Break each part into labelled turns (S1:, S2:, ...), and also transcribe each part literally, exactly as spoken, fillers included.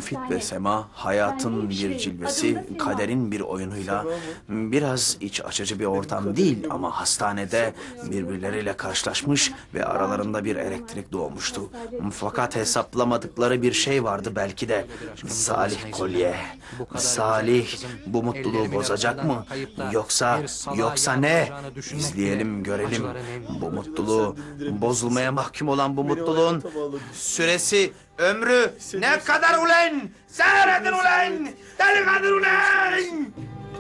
S1: Müfit ve Sema hayatın bir cilvesi, kaderin bir oyunuyla biraz iç açıcı bir ortam değil ama hastanede birbirleriyle karşılaşmış ve aralarında bir elektrik doğmuştu. Fakat hesaplamadıkları bir şey vardı belki de. Salih kolye. Salih bu mutluluğu bozacak mı? Yoksa, yoksa ne? İzleyelim, görelim. Bu mutluluğu, bozulmaya mahkum olan bu mutluluğun süresi, ömrü ne kadar ulen? Seyredin ulen! Deli kadar ulen!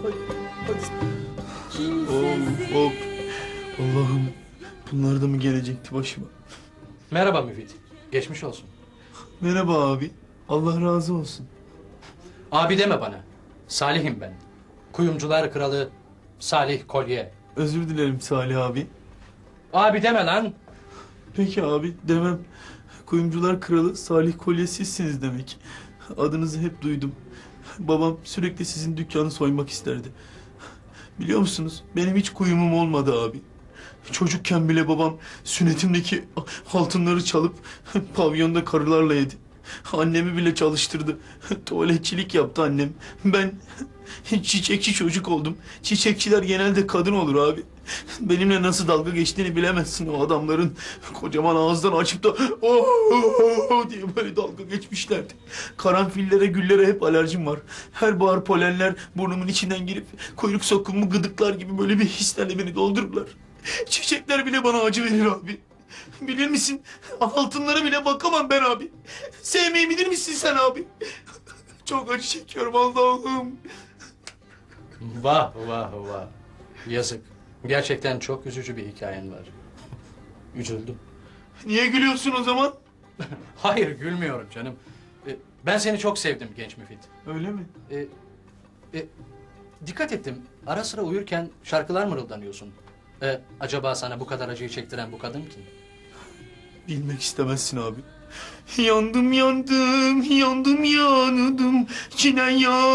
S2: Of of. Allah'ım, bunlar da mı gelecekti başıma?
S3: Merhaba Müfit. Geçmiş olsun.
S2: Merhaba abi. Allah razı olsun.
S3: Abi deme bana. Salih'im ben. Kuyumcular kralı Salih Kolye.
S2: Özür dilerim Salih abi.
S3: Abi deme lan.
S2: Peki abi, demem. Kuyumcular kralı Salih Kolye sizsiniz demek. Adınızı hep duydum. Babam sürekli sizin dükkanı soymak isterdi. Biliyor musunuz? Benim hiç kuyumum olmadı abi. Çocukken bile babam sünnetimdeki altınları çalıp pavyonda karılarla yedi. Annemi bile çalıştırdı. Tuvaletçilik yaptı annem. Ben çiçekçi çocuk oldum. Çiçekçiler genelde kadın olur abi. Benimle nasıl dalga geçtiğini bilemezsin o adamların. Kocaman ağızdan açıp da oh diye böyle dalga geçmişlerdi. Karanfillere, güllere hep alerjim var. Her bahar polenler burnumun içinden girip kuyruk sokumu gıdıklar gibi böyle bir hislerle beni doldururlar. Çiçekler bile bana acı verir abi. Bilir misin? Altınlara bile bakamam ben abi. Sevmeyi bilir misin sen abi? Çok acı çekiyorum Allah'ım.
S3: Vah vah vah. Yazık. Gerçekten çok üzücü bir hikayen var. Üzüldüm.
S2: Niye gülüyorsun o zaman?
S3: Hayır gülmüyorum canım. Ee, Ben seni çok sevdim genç Müfit.
S2: Öyle mi?
S3: Ee, e, Dikkat ettim. Ara sıra uyurken şarkılar mırıldanıyorsun. Ee, acaba sana bu kadar acıyı çektiren bu kadın kim?
S2: Bilmek istemezsin abi. Yandım yandım, yandım yandım, çinen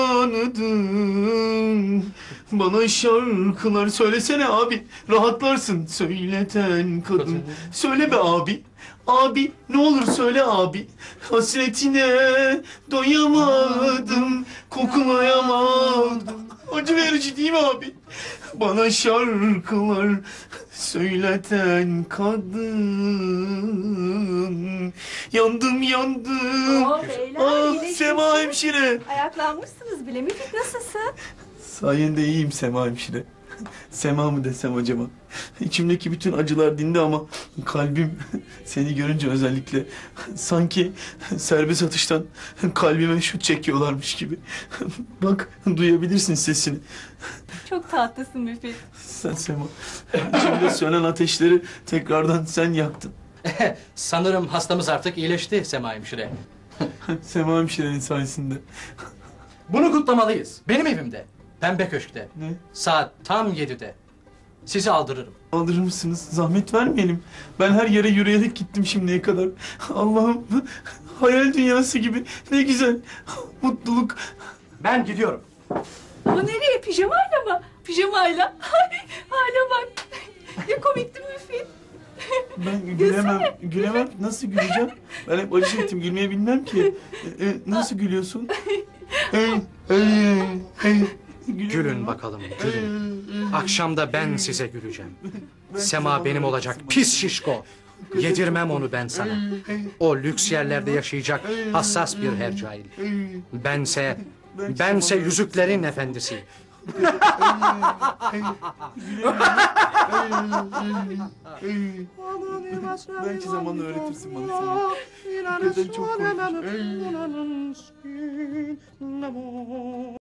S2: yandım. Bana şarkılar söylesene abi, rahatlarsın. Söyleten kadın, söyle be abi. Abi ne olur söyle abi. Hasretine doyamadım, koklayamadım. Acı verici değil mi abi? Bana şarkılar söyleten kadın. Yandım yandım.
S4: Oo, beyler,
S2: Ah
S4: iyileşmişsiniz.
S2: Sema hemşire.
S4: Ayaklanmışsınız bile. Müfit nasılsın?
S2: Sayende iyiyim Sema hemşire. Sema mı desem acaba? İçimdeki bütün acılar dindi ama kalbim seni görünce özellikle sanki serbest atıştan kalbime şut çekiyorlarmış gibi. Bak duyabilirsin sesini.
S4: Çok tatlısın Müfit.
S2: Sen Sema. İçimde sönen ateşleri tekrardan sen yaktın.
S3: Sanırım hastamız artık iyileşti Sema hemşire.
S2: Sema hemşirenin sayesinde.
S3: Bunu kutlamalıyız. Benim evimde. Pembe Köşk'te.
S2: Ne?
S3: Saat tam yedide. Sizi aldırırım.
S2: Aldırır mısınız? Zahmet vermeyelim. Ben her yere yürüyerek gittim şimdiye kadar. Allah'ım hayal dünyası gibi. Ne güzel. Mutluluk.
S3: Ben gidiyorum.
S4: Ama nereye? Pijamayla mı? Pijamayla. Ay, hala bak. Ne komikti Müfit.
S2: Ben gülemem. Gülemem. Nasıl güleceğim? Ben hep acı çektim. Gülmeyi bilmem ki. E, e, nasıl gülüyorsun? Hey, hey, hey.
S3: Gülün bakalım, gülün. Akşam da ben size güleceğim. Sema benim olacak, pis şişko. Yedirmem onu ben sana. O lüks yerlerde yaşayacak hassas bir hercai. Bense, bense yüzüklerin efendisi.
S2: Belki zamanla öğretirsin bana seni. Hakikaten çok korkunç.